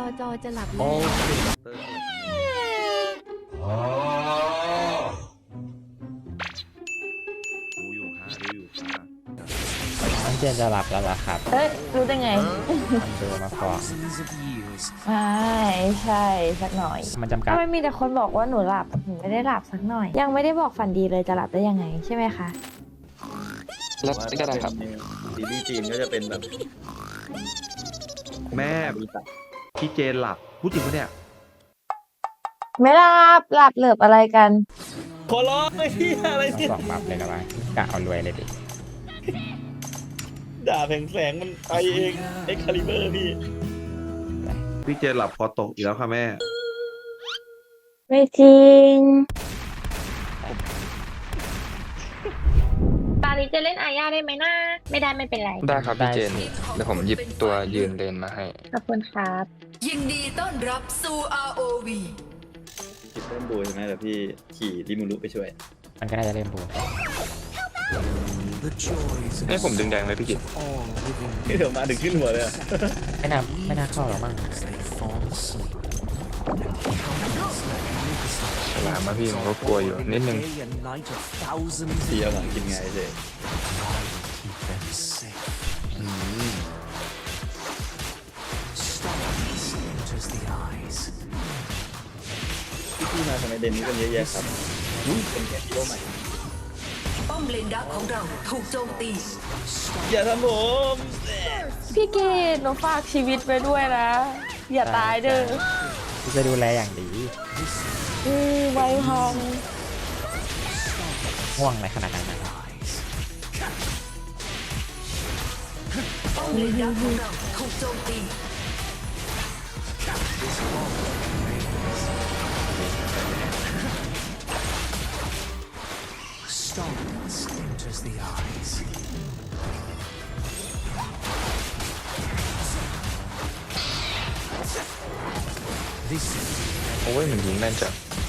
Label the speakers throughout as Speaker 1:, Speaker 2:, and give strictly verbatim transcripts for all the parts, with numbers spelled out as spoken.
Speaker 1: จอจะหลับ
Speaker 2: โอ้
Speaker 3: ดูอยู่ค่ะดูอยู่ค่ะ
Speaker 2: น้องเจนจะหลับแล้วเหรอครับ
Speaker 4: เอ้ยรู้ได้ไง
Speaker 2: มันดูมาฟอก
Speaker 4: ไม่ใช่สักหน่อย
Speaker 2: มันจำกัด
Speaker 4: ทำไมมีแต่คนบอกว่าหนูหลับหนูไม่ได้หลับสักหน่อย ยังไม่ได้บอกฝันดีเลยจะหลับได้ยังไงใช่ไหมคะ
Speaker 5: แล้วก็ได้ครับ
Speaker 3: ซีรีส์จีนก็จะเป็นแบบ แม่พี่เจนหลับพูดจริงปะเนี่ย
Speaker 4: ไม่หลับหลับเหลือบอะไรกัน
Speaker 3: ขอร้องไอ้ที่อะไร
Speaker 2: ต้อง
Speaker 3: เนี่ย
Speaker 2: สองบัฟเลยนะวะกะเอารวยเลยดิ
Speaker 3: ด่าแผงแสงมันไปเองเอ็กคาลิเบอร์พี่พี่เจนหลับคอตกอีกแล้วค่ะแม่
Speaker 4: ไม่จริง
Speaker 6: ตอนนี้จะเล่นอาญาได้ไหมนะไม่ได้ไม่เป็นไร
Speaker 5: ได้ครับพี่เจน เดี๋ยวผมหยิบตัวยืนเลนมาให้
Speaker 6: ขอบคุณครับ
Speaker 7: ยินดีต้อนรับสู่ อาร์ โอ วี
Speaker 3: พี่เริ่มดูใช่ไหมเดี๋ยวพี่ขี่ริมูรุไปช่วย
Speaker 2: มันก็น่าจะเล่นบู
Speaker 5: ให้ผมดึงแดงเลยพี่กิต
Speaker 3: เดี๋ยวมาถึงขึ้นหัวเลยอะ
Speaker 2: ไม่น่าไม่น่าเข้าหรอกมั้ง
Speaker 5: ฉลามมาพี่ผมก็กลัวอยู่นิดนึง
Speaker 3: พี่เอาหลังกินไงเจ๊พี่พี่มาทำไมเดนนี้กันเยอะแยะครับอุ้ยเป็นแค่ฮีโร่ใหม่
Speaker 7: ป้อมเลนดักของเราถูกโจมตี
Speaker 3: อย่าทำผม
Speaker 4: พี่เกดหนูฝากชีวิตไว้ด้วยนะ อย่าตายเด้อ
Speaker 2: ที่จะดูแลอย่างดี
Speaker 4: อือไวพัง
Speaker 2: ง่วงอะไรขนาดนั้นนะ
Speaker 7: ป้อมเลนดักของเราถูกโจมตี
Speaker 5: โอ้ยมันยิงแม่นจัง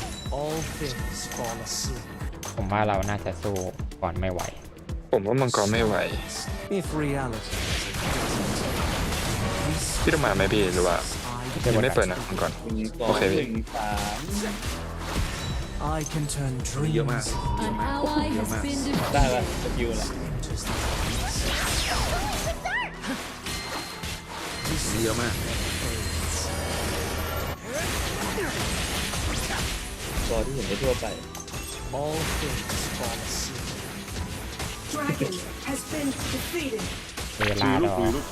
Speaker 2: ผมว่าเราน่าจะสู้ก่อนไม่ไหว
Speaker 5: ผมว่ามังกรไม่ไหว พี่ต้องมาไหมพี่หรือว่ายังไม่เปิดนะมังกร
Speaker 3: หนึ่งสอง
Speaker 5: โอเคพี่
Speaker 3: หนึ่งสาม
Speaker 8: I can turn
Speaker 3: เยอะมาก
Speaker 8: dreams
Speaker 3: เยอะ
Speaker 1: An
Speaker 3: มาก
Speaker 1: ally
Speaker 3: เยอะ
Speaker 1: has
Speaker 3: มาก
Speaker 1: been defeated.
Speaker 3: ได้ป่ะสกิลแหละเยอะมากตัวที่เห็นได้ทั่วไป
Speaker 8: all things fall asleep.
Speaker 7: Dragon has been defeated
Speaker 2: เวลาดอก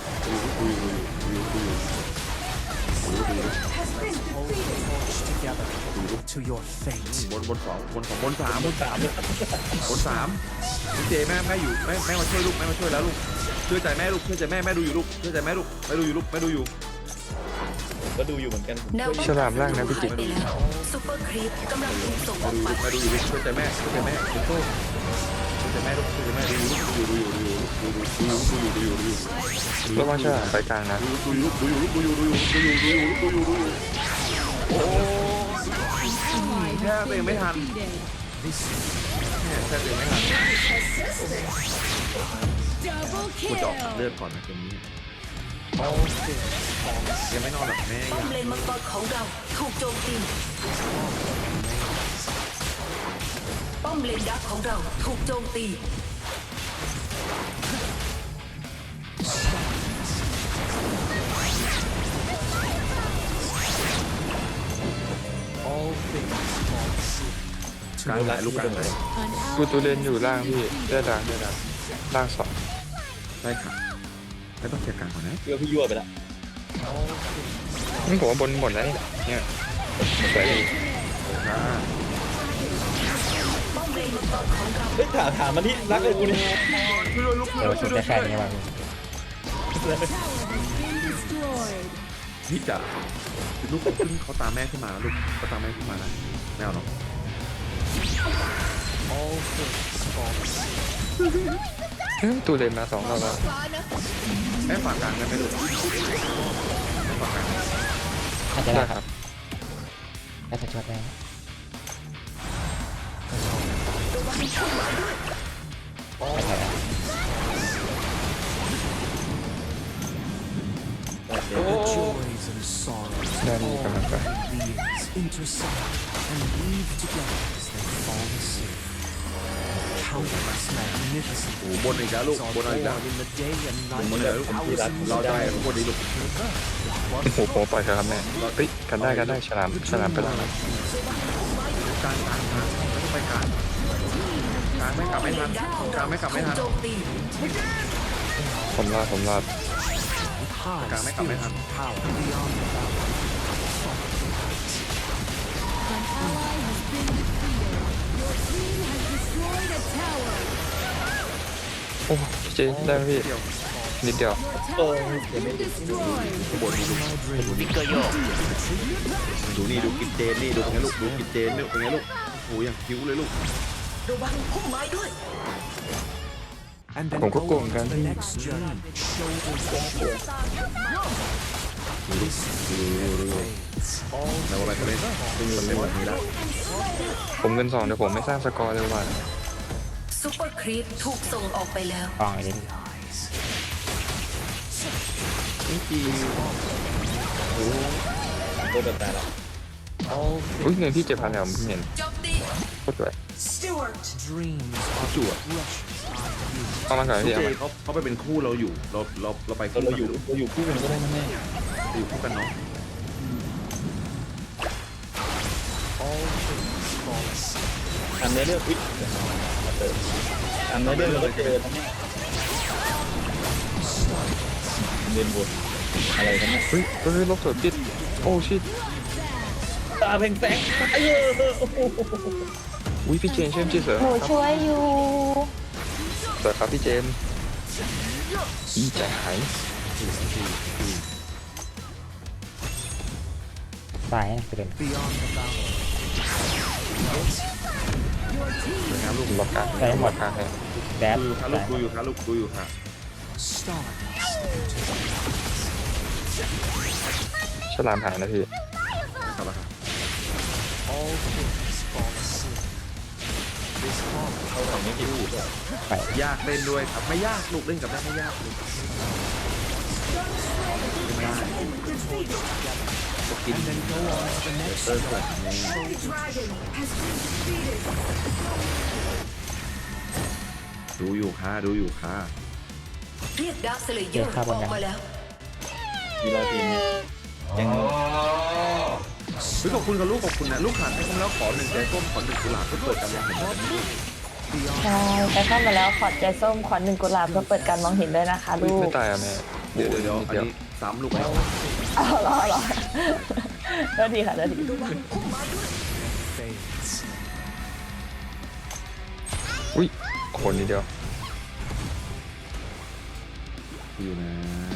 Speaker 7: has been defeated
Speaker 8: March together to your fate.
Speaker 3: บนบนสองบนสองบนสามบนสามบนสามพี่เจแม่แม่อยู่แม่แม่มาช่วยลูกแม่มาช่วยแล้วลูกเชื่อใจแม่ลูกเชื่อใจแม่แม่ดูอยู่ลูกเชื่อใจแม่ลูกแม่ดูอยู่ลูกแม่ดูอยู่ก็ดูอยู่เหมือนกัน
Speaker 7: แนวป้อง
Speaker 5: ฉลามล่างนะพี่กิต
Speaker 7: ไปแล้วซุปเปอร์ครีปกำลังถูกส่งออกไป
Speaker 3: แม่ดูอยู่ลูกเชื่อใจแม่เชื่อใจแม่คุณโต้เชื่อใจแม่ลูกเชื่อใจแม่ดูอยู่ลูกดูอยู่ดูอยู่ดูอยู่ดูอยู่ดูอยู่ดูอยู่ดูอยู่
Speaker 5: ระวังฉลามไปกลางนะ
Speaker 3: ดูอยู่ดูอยู่ดูอยู่ดูอยู่ดูอยู่ดูอยู่ดูอยู่ดูอยู่โอ้แค่ตัวเองไม่ทันแค่ตัวเองไม่ทัน
Speaker 1: Double
Speaker 3: กูจะออก
Speaker 1: kill.
Speaker 3: เลือดก่อนนะเกมนี้ยังไม่นอนหรอกแม่
Speaker 7: ป้อมเลนมังกรของเราถูกโจมตีป้อมเลนดักของเราถูกโจมตี
Speaker 8: All things fall asleep.
Speaker 3: กลางไหลลูกกลางไหล
Speaker 1: An
Speaker 5: กู
Speaker 1: ally
Speaker 5: ตัวเลนอยู่ล่างพี่ได้ดังได้ดังล่างสอง
Speaker 3: ได้ค่ะไม่ต้องเคลียร์กลางก่อนนะเพื่อพี่ยั่วไปแล้ว
Speaker 5: นี่ผมว่าบนหมดแล้วนี่เนี่ยสวยดี
Speaker 7: ป้อมเลนมังกรของเรา
Speaker 3: เฮ้ยถามถามมาที่รักเลยกูนี่
Speaker 2: เดี๋ยวชุดได้แค่นี้ว่ะ
Speaker 1: has been destroyed.
Speaker 3: พี่จะลูกขึ้นเขาตามแม่ขึ้นมาลูกเขาตามแม่ขึ้นมานะไม่เอาหรอก
Speaker 8: All things fall asleep.
Speaker 5: เฮ้ยตัวเลนมาสองรอบแล้ว
Speaker 3: แม่ฝากกลางได้ไหมลูกแม่ฝากกลาง
Speaker 2: น่าจะ
Speaker 5: ได้
Speaker 2: ได้
Speaker 5: ครับ
Speaker 2: น่าจะช่วยได้
Speaker 8: All
Speaker 2: ไม่ใช่แล้ว
Speaker 8: the joys and sorrows
Speaker 5: ได้มีกำลังใจ
Speaker 8: beings intersect and weave together as they fall asleep. Countless magnificent
Speaker 3: โอ้บนอีกแล้วลูก
Speaker 8: are
Speaker 3: บนอีกแล้ว
Speaker 8: born in the day and
Speaker 3: บน
Speaker 8: night
Speaker 3: เลย
Speaker 8: of
Speaker 3: ลูก
Speaker 8: thousands
Speaker 3: เรา
Speaker 8: of
Speaker 3: ได้
Speaker 8: years.
Speaker 3: บนนี้ลูก
Speaker 5: โอ้โหโปปล่อยเถอะครับแม่เฮ้ยกันได้กันได้ฉลามฉลามไปแล้วนะ
Speaker 3: กลางกลางกลางไม่ต้องไปกลางกลางไม่กลับไม่ทันกลางไม่กลับไม่ทัน
Speaker 5: ผมรอดผมรอด
Speaker 8: High
Speaker 3: กลางไม่กลับไม่ทัน
Speaker 8: spiritual power beyond the bounds.
Speaker 1: An ally has been defeated. Your team has destroyed a tower.
Speaker 5: โอ้พี่เจได้ไหมพี่
Speaker 3: เดียว
Speaker 5: นิดเดียว
Speaker 1: Your tower has been destroyed.
Speaker 3: ข้างบนนี่ลูกดูนี่ดูกินเจนนี่ดูเป็นไงลูกดูกินเจนนี่เป็นไงลูกโอ้ยอย่างคิ้วเลยลูก
Speaker 8: And then
Speaker 5: ผมก็
Speaker 8: go
Speaker 5: โกง
Speaker 8: on
Speaker 5: กัน
Speaker 8: to the next journey. Shoulder to shoulder.
Speaker 3: ดูดูดูดูเราไปกันเลยเป็นคนเล่นแบบนี้แล้ว
Speaker 5: ผมเงินสองเดี๋ยวผมไม่สร้างสกอร์เลยว่ะ
Speaker 7: ซุปเปอร์ครีปถูกส่งออกไปแล้ว
Speaker 2: กองไอ้นี่
Speaker 3: นี่จีโอ้ตัวแบบแต่ละ
Speaker 8: All
Speaker 5: อุ้ยเงินพี่เจ็ดพันแล้วผมเห็น
Speaker 7: โจมตี
Speaker 5: โคตรสวย
Speaker 8: dreams
Speaker 3: เขาจู่อะ
Speaker 8: precious are you.
Speaker 5: เอามาก่อน
Speaker 3: ลูก
Speaker 5: พี่
Speaker 3: เจ
Speaker 5: เอามา
Speaker 3: เขาเขาไปเป็นคู่เราอยู่เราเราเราไปคู่เราอยู่เราอยู่คู่กันก็ได้นะแม่เราอยู่คู่กันเนาะ
Speaker 8: All things fall asleep.
Speaker 9: ทำในเรื่องวิทย์ทำในเรื่องเราเจอนะเนี่ยเรียนบทอะไรกันเนี่ย
Speaker 5: เฮ้ยเฮ้ยลบสวยปิดโอ้ชิต
Speaker 9: ตาเพ่งแสงไอ้เออ
Speaker 5: อุ้ยพี่เจนเชื่อมจีเสือ
Speaker 4: หนู
Speaker 5: ครับ
Speaker 4: ช่วยอยู่
Speaker 5: เสือครับพี่เจนอีใจหาย
Speaker 2: ตายนะประเด็น
Speaker 8: Beyond the bounds.
Speaker 3: สวยงามลูก
Speaker 5: ล็อกกลางให้หมดกลางให้
Speaker 2: แดด
Speaker 3: ดูอยู่ค่ะลูกดูอยู่ค่ะลูกดูอยู่ค่ะ
Speaker 8: Stardust.
Speaker 5: ฉลามหายนะพี่
Speaker 3: กลับมาค่ะ
Speaker 8: All things fall asleep. This moment
Speaker 9: เขาทำไม่กี่พูด
Speaker 2: ไป
Speaker 3: ยากเล่นด้วยครับไม่ยากลูกเล่นกับแม่ไม่ยากลูกไม่ได้จะกิน
Speaker 8: and then go on to the next
Speaker 3: เติมก่อนแม่ดูอยู่ค่ะดูอยู่ค่ะ
Speaker 7: เรียกดาร์คสเลเยอร์ออกมาแล้ว
Speaker 9: กีฬาทีมเนี่ยยัง
Speaker 3: เฮ้ยขอบคุณกับลูกขอบคุณนะลูกขาดให้ผมแล้วขอหนึ่งใจส้มขอหนึ่งกุหลาบเพื่อเปิดการมองเห็น
Speaker 4: ใช่ไปเข้ามาแล้วขอใจส้มขอหนึ่งกุหลาบเพื่อเปิดการมองเห็นด้วยนะคะ
Speaker 5: อุ้ย
Speaker 4: ลู
Speaker 5: ไม่
Speaker 4: ก
Speaker 5: ตายอ่ะแม่
Speaker 3: เดี๋
Speaker 5: เดี๋
Speaker 3: ย
Speaker 5: ยว ว
Speaker 3: เดี๋
Speaker 5: เดี๋
Speaker 3: ย
Speaker 5: ยว ว
Speaker 3: อัน
Speaker 5: นิดเดียว
Speaker 3: นี้ซ้ำลูกไหม
Speaker 4: เอาเหรอเหรอก็ดีค่ะก็ดี
Speaker 8: fades.
Speaker 5: อุ้ยคนนิดเดียว
Speaker 3: อยู่นะ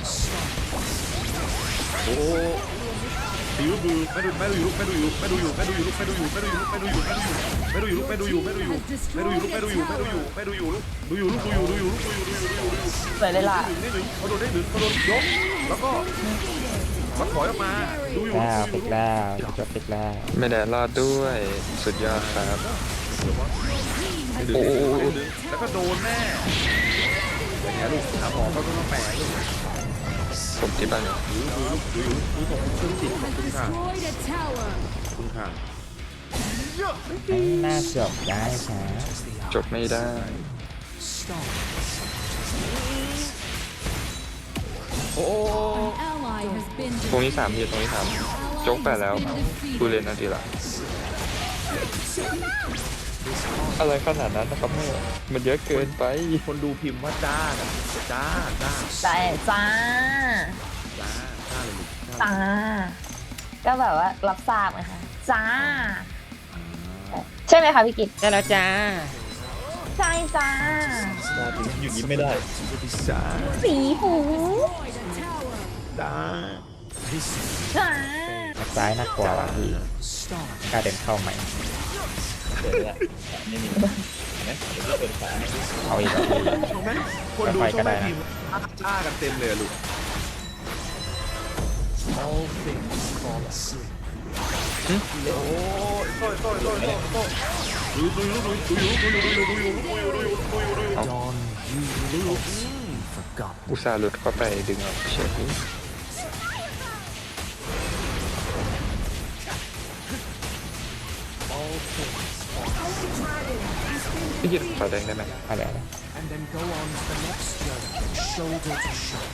Speaker 3: โอ้ดูดูไม่ดูไม่ดูอยู่ไม่ดูอยู่ไม่ดูอยู่ไม่ดูอยู่ไม่ดูอยู่ไม่ดูอยู่ไม่ดูอยู่ไม่ดูอยู่ไม่ดูอยู่ไม่ดูอยู่ไม่ดูอยู่ไม่ดูอยู่ไม่ดูอยู่ไม่ดูอยู่ไม่ดูอยู่ลูกดูอยู่ดูอยู่ลูกดูอยู่ดูอยู่ดูอยู่ดูอยู่
Speaker 4: สวยเลยล่ะ
Speaker 3: นี่หนึ่งเขาโดนได้หนึ่งเขาโดนยกแล้วก็มาถอยออกมาดูอยู่
Speaker 2: แล้ว
Speaker 3: ดู
Speaker 2: ปิด
Speaker 3: อยู่
Speaker 2: แล้วจบปิดแล้ว
Speaker 5: ไม่ได้รอดด้วยสุดยอดครับ โอ้โห
Speaker 3: แล้วก็โดนแน่อย่างเงี้ยลูกหาหมอก็ต้องแปลลูก
Speaker 5: ผมที่บ้านอยู่
Speaker 3: ดูดูลูกดูอยู่ดูของเครื่องจิตขอบคุณค่ะ
Speaker 1: Destroyed a tower.
Speaker 3: ขอบคุณค่ะ
Speaker 2: ให้หน้าจบได้ช้า
Speaker 5: จบไม่ได้
Speaker 3: โอ้
Speaker 1: An ally has been
Speaker 5: ตรงนี้
Speaker 1: defeated.
Speaker 5: สามทีตรงนี้สามโจ๊กแปดแล้วดูเลนนาทีละอะไรขนาดนั้นนะครับแม่มันเยอะเกินไป
Speaker 3: คนดูพิมพ์ว่าจ้ากันจ้าจ้า
Speaker 4: แต่จ้า
Speaker 3: จ้าจ้าเลยลูก
Speaker 4: จ้า ก็แบบว่ารับทราบนะคะจ้า ใช่ไหมคะพี่กิต
Speaker 2: ได้แล้วจ้า
Speaker 4: ใช่จ้า
Speaker 9: ตาถึงอยู่ยิ้มไม่ได้
Speaker 3: จ้า
Speaker 4: สีหู
Speaker 3: จ้า
Speaker 4: จ้า
Speaker 2: ซ้ายน่ากลัวว่ะพี่กล้าเดินเข้าใหม่
Speaker 9: เปิดละไม่มีนะเดี๋ยวเปิดฝา
Speaker 2: เอาอีกแล้วพี่
Speaker 3: ชมไหมคนดูชมไหมพิมพ์จ้ากันเต็มเลยลูก
Speaker 8: All things fall asleep.
Speaker 3: โอ้ยโต้ยโต้ยโต้ยโต้ยดูดูดูดูดูดูดูดูดูดูดูดูดูดูดู
Speaker 8: Dawn you live forgotten.
Speaker 5: อุตส่าห์หลุดเข้าไปดึงออกเฉยพี่กินขอแดงได้ไหม
Speaker 2: อะไร
Speaker 8: and then go on to the next journey, shoulder to shoulder.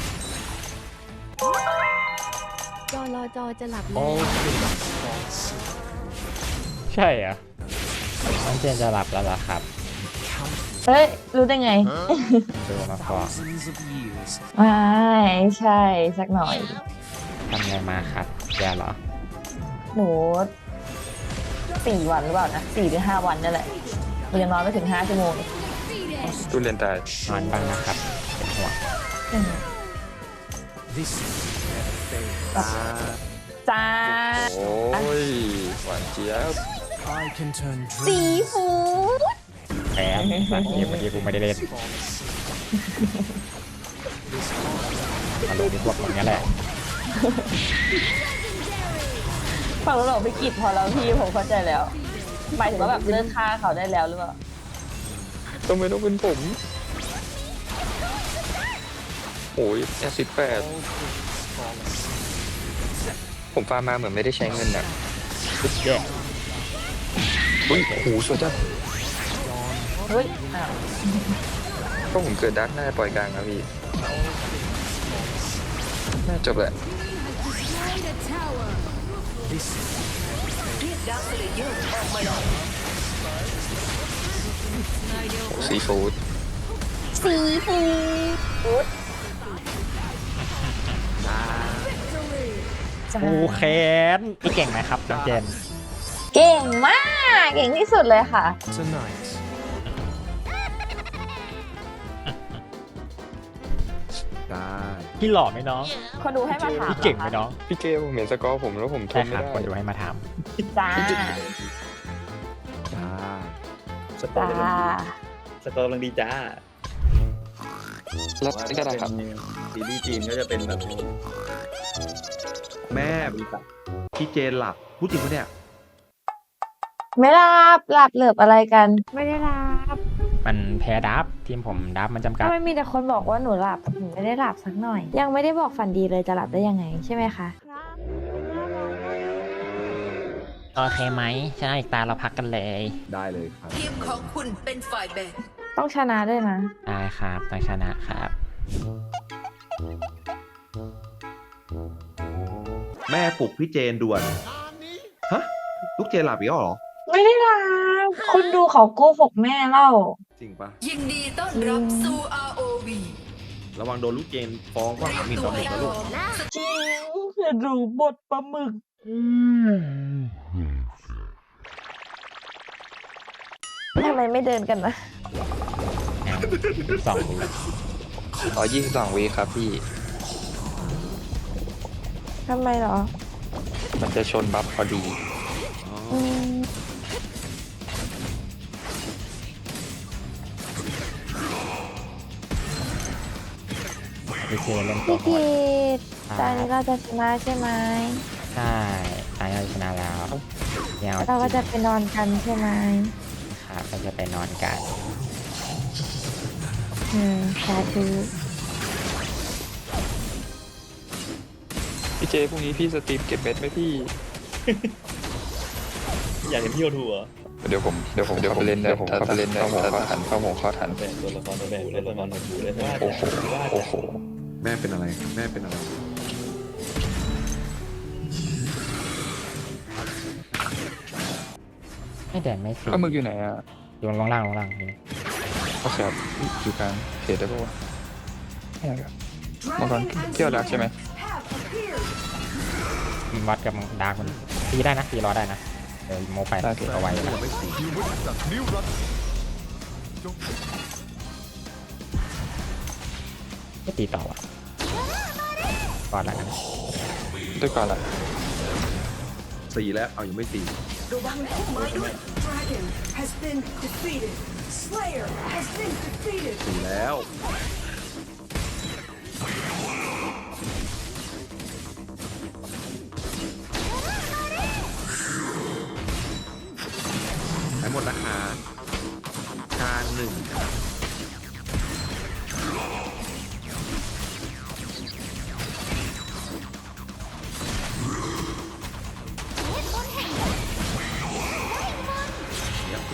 Speaker 1: จอรอจอจะหลับ
Speaker 8: All
Speaker 1: แล้ว
Speaker 8: things fall asleep.
Speaker 2: ใช่เหรอน้องเจนจะหลับแล้วเหรอครับ
Speaker 8: Countless
Speaker 4: เฮ้ย รู้ได้ไง
Speaker 2: ดูมาก่อน
Speaker 8: thousands of years
Speaker 4: ไม่ใช่สักหน่อย
Speaker 2: ทำไงมาครับแกเหรอ
Speaker 4: หนูสี่วันหรือเปล่านะสี่หรือห้าวันนั่นแหละมันยังนอนไม่ถึงห้าชั่วโมงเลย
Speaker 5: ตู้เรียนตาย
Speaker 2: นอนบ้างนะครับเป็นห่วง
Speaker 4: อืม
Speaker 8: this is their fate.
Speaker 4: จ้า
Speaker 5: โอ้ยหวานเจี๊ยบ
Speaker 8: I can turn
Speaker 4: ซี
Speaker 8: dreams
Speaker 4: ฟู้ด
Speaker 2: แพ้สักเกมเมื่อกี้กูไม่ได้เล่น
Speaker 8: fall asleep. This heart
Speaker 2: อารมณ์พวกอย่างนี้ยแหละ
Speaker 4: ฟังแล้วเราไปกิดพอแล้วพี่ผมเข้าใจแล้วหมายถึงว่าแบบเลิกฆ่าเขาได้แล้วหรือเปล่า
Speaker 5: ต้องไม่ต้องเป็นผม โอ้ยแอซิดแปด
Speaker 8: all things fall asleep.
Speaker 5: ผมฟาร์มมาเหมือนไม่ได้ใช้เงินนะ
Speaker 2: แย่
Speaker 5: อุ้ยโอ้โหสวยจัง
Speaker 4: เฮ้ยอ้าว
Speaker 5: ก็ผมเกิดดักหน้าปล่อยกลางครับพี่น่าจบแหละ
Speaker 1: Destroyed a tower.
Speaker 8: This is
Speaker 5: ซีฟู้ด
Speaker 4: ซีฟู้ดจ้า
Speaker 2: กูแค้นพี่เก่งไหมครับน้องเจน
Speaker 4: เก่งมาก เก่งที่สุดเลยค่ะ
Speaker 8: tonight.
Speaker 3: ได้
Speaker 2: พี่หล่อไหมน้อง
Speaker 4: คนดูให้มาถาม
Speaker 2: พี่เก่งไหมน้อง
Speaker 5: พี่เกผมเห็นสกอร์ผมแล้วผมท
Speaker 2: ใช่
Speaker 5: น
Speaker 2: ค
Speaker 5: ไม่
Speaker 2: รับ
Speaker 5: ได้
Speaker 2: คนดูให้มาถาม
Speaker 4: จ้า
Speaker 3: จ้า
Speaker 9: สกอ
Speaker 4: จ้า
Speaker 9: ร์กำลังดีสกอร์กำลังดีจ้า
Speaker 5: แล้วก็ได้ครับ
Speaker 9: ซีรีส์จีนก็จะเป็นแบบ
Speaker 3: แม่พี่เจนหลับพูดจริงปะเนี่ย
Speaker 4: ไม่หลับหลับเหลือบอะไรกัน ไม่ได้หลับ
Speaker 2: มันแพ้ดับทีมผมดับมันจำกัด
Speaker 4: ทำไมมีแต่คนบอกว่าหนูหลับหนูไม่ได้หลับสักหน่อย ยังไม่ได้บอกฝันดีเลยจะหลับได้ยังไงใช่ไหมคะ
Speaker 2: โอเคไหมชนะอีกตาเราพักกันเลย
Speaker 3: ได้เลยครับ
Speaker 10: ทีมของคุณเป็นฝ่ายแบ่ง
Speaker 4: ต้องชนะด้วยนะ
Speaker 2: ได้ครับต้องชนะครับ
Speaker 3: แม่ปลุกพี่เจนด่วน ฮะ ลูกเจนหลับอีกแล้วเหรอ
Speaker 4: ไม่ได้หลับคุณดูเขาโกหกแม่เล่า
Speaker 3: จริงปะ
Speaker 10: ยินดีต้อนรับสู่ อาร์ โอ วี
Speaker 3: ระวังโดนลูกเจนฟ้องว่าหมิ่นประมาทนะลูก
Speaker 4: จริงคือดูบทปลาหมึกทำไมไม่เดินกันนะ
Speaker 2: สองวิ
Speaker 5: อ๋อยี่สิบสองวีครับพี่
Speaker 4: ทำไมเหรอ
Speaker 5: มันจะชนบัฟพอดี
Speaker 4: อืม
Speaker 2: พี่เจเล่นตัว
Speaker 4: พี่
Speaker 2: โห
Speaker 4: กี
Speaker 2: ด
Speaker 4: ดตอนนี้เราจะชนะใช่ไหม
Speaker 2: ใช่ตายเราชนะแล้วเนี่ย
Speaker 4: แล้วเราก็จะไปนอนกันใช่ไหม
Speaker 2: ครับเราจะไปนอนกัน
Speaker 4: อืมสาธุ
Speaker 5: พี่เจพรุ่งนี้พี่สตรีมเก็บเม็ดไหมพี่
Speaker 9: อยากเห็นพี่โอทูเหรอ
Speaker 5: เดี๋ยวผมเดี๋ยวผมเดี๋ยวผมเล่นเดี๋ยวผมเข้าไปเล่นเข้าหัวเข้าทันเข้าหัวเข้าทัน
Speaker 9: เป็นตัวละครตัวแบบเล่นละครตัวบูเล่นว่า
Speaker 5: โอ้โหโอ้โห
Speaker 3: แม่เป็นอะไร แม่เป็นอะไร
Speaker 2: ไม่แดงไม่สี
Speaker 5: ปลาหมึกอยู่ไหนอ่ะ
Speaker 2: อยู่ลงล่างลงล่างนี่
Speaker 5: โอเคครับอยู่กลางเขตได้ปะวะไม่ได้ครับมังกรเที่ยวดักใช่ไหม
Speaker 2: มันวัดกับดาร์กมันตีได้นะตีรอได้นะเดี๋ยวโมไปเอาไว้นะไม่ตีต่อว่ะก่อนละกัน
Speaker 5: ด้วยก่อนละ
Speaker 3: สี่แล้ว เอายังไม่สี่ สี่แล้ว หายหมดนะคะกลางหนึ่ง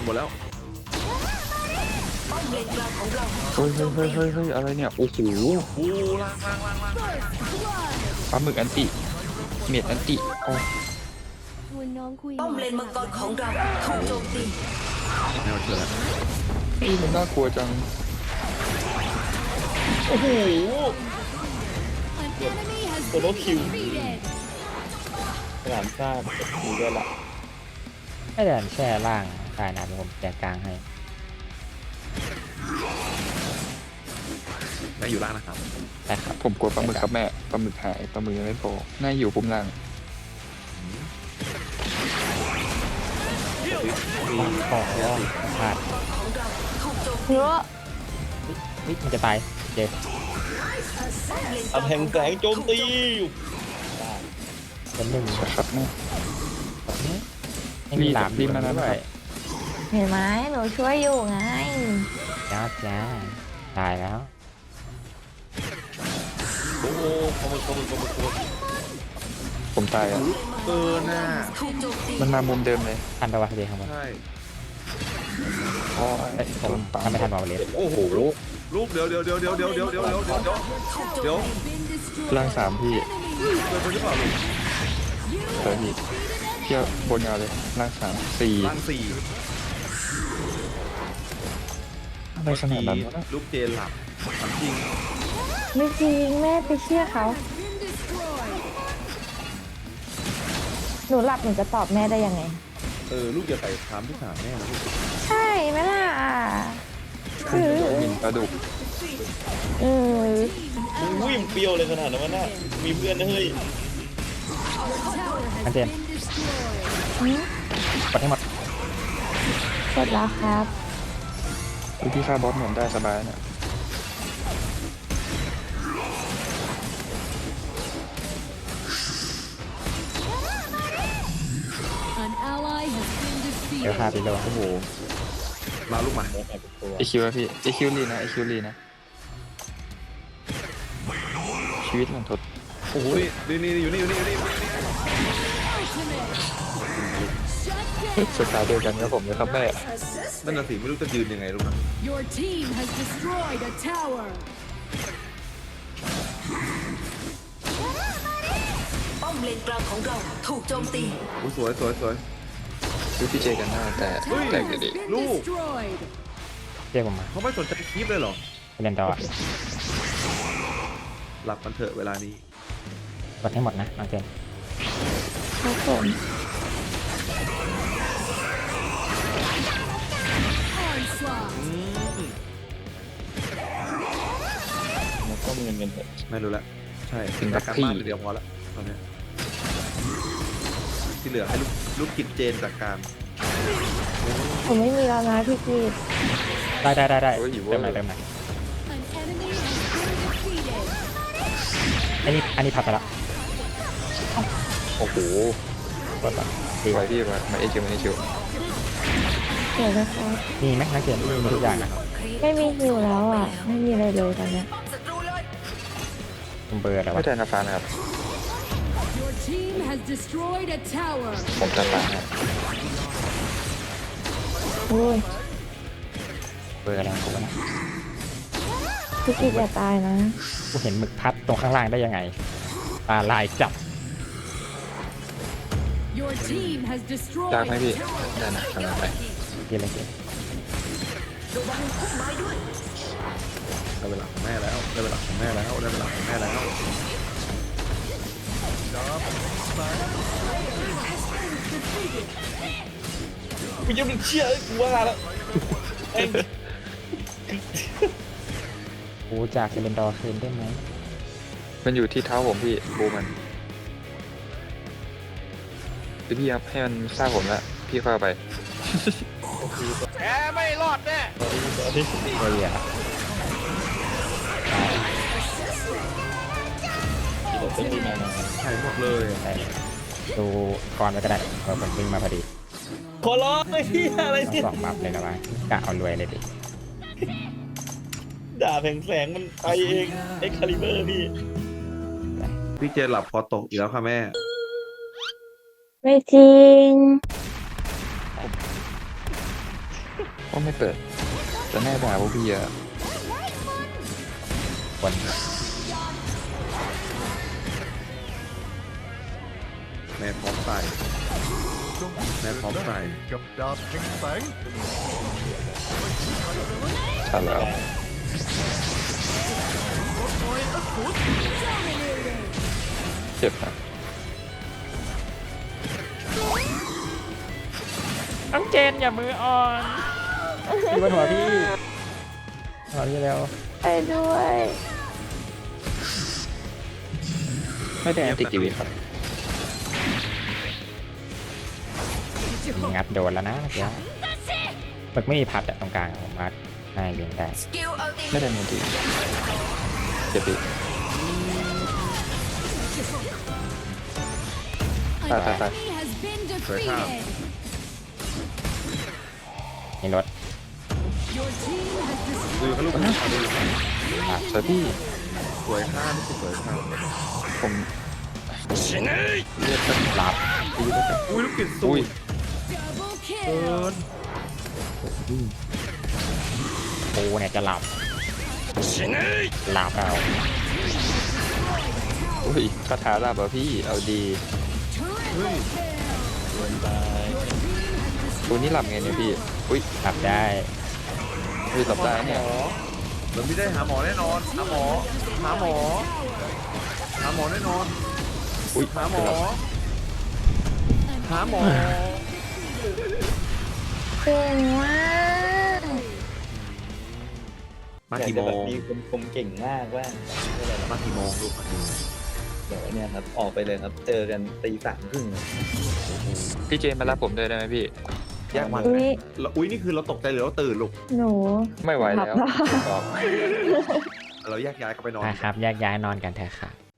Speaker 3: มดแล้ว
Speaker 10: ป้อมเลนกลางของเรา
Speaker 5: เฮ้ยเฮ้ยเฮ้ยเฮ้ยเฮ้ยอะไรเนี่ยโอ้โห
Speaker 3: โอ้ล่างล่างล่างล่าง
Speaker 5: ปลาหมึกอันติเมียดอันติโอ้
Speaker 1: ชวนน้องคุย
Speaker 10: ป้อมเลนมังกรของเราถูกโจมตี
Speaker 3: แม่มาช่วยแล้ว
Speaker 5: ยมันน่ากลัวจัง
Speaker 9: โอ้โห
Speaker 1: An enemy has
Speaker 9: Tôi đốt
Speaker 1: been
Speaker 9: khiêu.
Speaker 1: defeated.
Speaker 9: สนามซ่ามีด้วยละ
Speaker 2: ไม่เดินแช่ล่างได้นะเดี๋ยวผมแจกกลางให้
Speaker 3: แม่อยู่ล่างนะครับ
Speaker 2: ได้ครับ
Speaker 5: ผมกลัวปลาหมึกครับแม่ปลาหมึกหายปลาหมึกยังไม่โผล่น่าอยู่ปุ่มล่าง
Speaker 2: ขอพลาด
Speaker 10: ของเราถูกโจม
Speaker 4: เยอะ
Speaker 2: วิมันจะตายเจ
Speaker 9: ตะแพงแสงโจมตี
Speaker 2: เป็นหนึ่ง
Speaker 5: นะครับแม่
Speaker 2: ไม่มีหลาม
Speaker 5: รีบมาแล้ว
Speaker 2: ด้วย
Speaker 4: เห็นไหมหนูช่วยอยู่ไง
Speaker 2: จ้าจ้าตายแล้ว
Speaker 3: โอ้โหขโมยขโมยขโมยขโมย
Speaker 5: ผมตายอ่ะ
Speaker 3: เกินน่ะ
Speaker 10: ถูกโจมตี
Speaker 5: มันมามุมเดิมเลย
Speaker 2: ทันปะวะเดีข้างบน
Speaker 3: ใช่
Speaker 5: อ๋อ
Speaker 2: เอ้ยผม
Speaker 5: ปา
Speaker 2: ทำไม่ทันวอลเลส
Speaker 3: โอ้โหลูกเดี๋ยวเดี๋ยวเดี๋ยวเดี๋ยวเดี๋ยวเดี๋ยวเดี๋ยวเดี๋ยวเดี๋ยวเดี๋ยว
Speaker 10: ถูกโจ
Speaker 3: เดี๋ยว
Speaker 10: มตี
Speaker 1: Been destroyed.
Speaker 5: ล่างสามพี่
Speaker 3: เกินไปหรือเปล่าลูก
Speaker 5: เฮ้ยพี่เที่ยวบนยาวเลยล่างสามสี่
Speaker 3: ล่างสี่
Speaker 5: อะไรขนาดนั้นวะ
Speaker 3: ลูกเจนหลับทำจริง
Speaker 4: ไม่จริงแม่ไปเชื่อเขา
Speaker 1: Been destroyed.
Speaker 4: หนูหลับหนูจะตอบแม่ได้ยังไง
Speaker 3: เออลูกอย่าใส่คำที่ถามแม่นะลูก
Speaker 4: ใช่ไหมล่ะคือ
Speaker 5: มินปลาดุก
Speaker 4: เออ
Speaker 9: มึงวิ่งเปรี้ยวเลยขนาดนั้นวะน่ะมีเพื่อนนะเฮ้ย
Speaker 1: Tower has
Speaker 2: Anh Tiên.
Speaker 1: been destroyed.
Speaker 2: กดให้หมด
Speaker 4: กดแล้วครับ
Speaker 5: วิธีฆ่าบอสเหมือนได้สบายนะ
Speaker 1: An ally has been
Speaker 2: เดี๋ยวพา
Speaker 1: defeated.
Speaker 2: ไปเลย
Speaker 3: โอ้โหมาลูกมา
Speaker 9: แล้วแต่เป็นตัว
Speaker 5: ไอคิวอะพี่ไอคิวลีนะไอคิวลีนะชีวิตมันทด
Speaker 3: โอ้โหนี่นี่นี่อยู่นี่อยู่นี่อยู่นี่
Speaker 1: Shut
Speaker 5: สไตล์เดียวกันกับผมเลยครับแม่
Speaker 3: นั่นน่ะสิไม่รู้จะยืนยังไงลูกนะ
Speaker 1: down. Your team has destroyed a tower.
Speaker 10: ป้อมเลนกลางของเราถูกโจมตี
Speaker 3: โอ้สวยสวยสวย
Speaker 5: ดูพี่เจกันหน้าแต่
Speaker 1: Tower
Speaker 5: แต่
Speaker 1: has
Speaker 5: ดี
Speaker 1: been
Speaker 3: Lu.
Speaker 1: destroyed.
Speaker 2: เรียกผมมา
Speaker 3: เขาไม่สนใจคลิปเลยเหรอ
Speaker 2: ไปเล่นต่อ
Speaker 3: หลับกันเถอะเวลานี้
Speaker 2: กดให้หมดนะน้องเจน
Speaker 4: ครับผม
Speaker 1: Onslaught.
Speaker 3: อืม
Speaker 9: มันก็มีเงินเงินเถอะ
Speaker 3: ไม่รู้ละใช่แต่การบ้านเดียวพอละตอนเนี้ยที่เหลือให้ลูกลูกกินเจนจากการ
Speaker 4: ผมไม่มีแล้วนะพี่กีด
Speaker 2: ได้ได้ได้ได้เติมหน่อยเติมหน่อย
Speaker 1: An enemy has been defeated.
Speaker 2: อันนี้อันนี้พับไปละ
Speaker 5: โอ้โห
Speaker 2: กดก่อนดี
Speaker 5: ไหวพี่มามาเอคิวมาเอคิว
Speaker 4: เดี๋ยวนะครับ
Speaker 2: มีไหมนักเรียนมีทุกอย่างนะ
Speaker 4: ไม่มีฮิวแล้วอ่ะ ไม่มีอะไรเลยตอนเนี้ย
Speaker 10: ป้อมศัตรูเลย
Speaker 2: ผมเบอร์อะไร
Speaker 5: ไม่
Speaker 2: วะ
Speaker 5: ได้นาฟานะครับ
Speaker 1: Your team has destroyed a tower.
Speaker 5: ผมจะตายนะ
Speaker 4: โอ้ย
Speaker 2: เบอร์อะไรของกูวะนะ
Speaker 4: พี่กีดอย่าตายนะ
Speaker 2: กูเห็นหมึกพัดตรงข้างล่างได้ยังไงปลาลายจับ
Speaker 1: Your team has
Speaker 5: ยากไหม
Speaker 1: destroyed
Speaker 5: พี่
Speaker 1: a tower.
Speaker 5: ได้นะทำงานไป
Speaker 2: กินอะไรกิน
Speaker 10: ระวังพุ่มไม้ด้วย
Speaker 3: ได้เวลาของแม่แล้วได้เวลาของแม่แล้วได้เวลาของแม่แล้ว
Speaker 9: กูยังไม่เชื่อกูว่าแล้วเอ็ง
Speaker 2: กูจากเซเลนดอร์คืนได้ไหม
Speaker 5: มันอยู่ที่เท้าผมพี่บูมันเดี๋ยวพี่ครับให้มันฆ่าผมละพี่เข้าไป
Speaker 9: แกไม่รอดแน่
Speaker 2: เรีย
Speaker 9: เดี๋ยวจะรีบมา
Speaker 3: ใช่หมดเลย
Speaker 2: ได้ดูก่อนไปก็ได้เออผมวิ่งมาพอดี
Speaker 9: ขอร้องไอ้เหี้ยอะไร
Speaker 2: ต้อง
Speaker 9: เนี่ย
Speaker 2: สองบัฟเลยนะวะกะเอารวยเลยดิ
Speaker 9: ด่าแผงแสงมันไปเองเอ็กคาลิเบอร์พี่
Speaker 3: พี่เจนหลับคอตกอีกแล้วค่ะแม่
Speaker 4: ไม่จริง
Speaker 5: ก็ไม่เปิดแต่แน่ด่าพวกพี่อะ
Speaker 2: คน
Speaker 3: แม่พร้อมใส่แม่พร้อมใส่
Speaker 8: กับดาบแข็งแสง
Speaker 5: ใช่แล้ว เจ็บนะ
Speaker 2: น้องเจนอย่ามืออ่อนพี่บนหัวพี่หัวพี่เร็ว
Speaker 4: ไปด้วย
Speaker 5: ไม่ได้แอนติกีวีครับ
Speaker 2: งัดโดนแล้วนะเมื่อกี้มันไม่มีพัดอะตรงกลางอะผมว่าง่ายเลี้ยงได้
Speaker 10: สกิลอัลติ
Speaker 5: ไม่ได้แอนติเจ็บดิ
Speaker 1: An
Speaker 5: Ta, ta, ta.
Speaker 1: enemy has been
Speaker 3: Right now.
Speaker 1: defeated.
Speaker 2: มีรถ
Speaker 1: Your team has
Speaker 3: ดู
Speaker 1: destroyed
Speaker 3: เขาลูกเอาดู
Speaker 5: สวยพี่
Speaker 3: สวยข้ามไม่ใช่สวยข้าม
Speaker 5: ผมเลือดจะ
Speaker 2: หลับ
Speaker 5: ดีแล้วกัน
Speaker 3: อุ้ยลูกปิดสู
Speaker 5: อุ้ย
Speaker 3: ตร
Speaker 1: double
Speaker 3: เกิ
Speaker 1: kill.
Speaker 3: น
Speaker 2: ปูเนี่ยจะหลับหลับเอา
Speaker 5: อุ้ยคาถาลาบเหรอพี่เอาดี
Speaker 1: Triple kill.
Speaker 9: วนตาย
Speaker 5: ตัวนี้หลับไงเนี่ยพี่อุ้ย
Speaker 2: หลับได้
Speaker 5: อุ้ยหลับได้เนี่ย
Speaker 3: เดี๋ยวพี่ได้หาหมอแน่นอนหาหมอหาหมอหาหมอแน่นอน
Speaker 5: อุ้ย
Speaker 3: หาหมอหาหมอ
Speaker 4: เก่งมาก
Speaker 3: มา
Speaker 9: อยาก
Speaker 3: กี่
Speaker 9: จะ
Speaker 3: โม
Speaker 9: แบบ
Speaker 3: ง
Speaker 9: มีคนคมเก่งมากว่าไม่เป็นไรหรอก
Speaker 3: มากี่โมงลูกมากี่โมง
Speaker 9: เดี๋ยวเนี่ยครับออกไปเลยครับ เจอกันตีสามครึ่ง
Speaker 5: พี่เจนมารับผมด้วยได้ไหมพี่
Speaker 3: แยกวัน
Speaker 4: อุ้
Speaker 3: ไหม
Speaker 4: ย
Speaker 3: เราอุ้ยนี่คือเราตกใจหรือเราตื่นลูก
Speaker 4: หนู
Speaker 5: ไม่ไหวแล้ว
Speaker 4: หลับแล้ว
Speaker 5: บอก
Speaker 3: เราแยกย้ายกันไปนอน
Speaker 2: นะครับแยกย้ายนอนกันเถอะค่ะ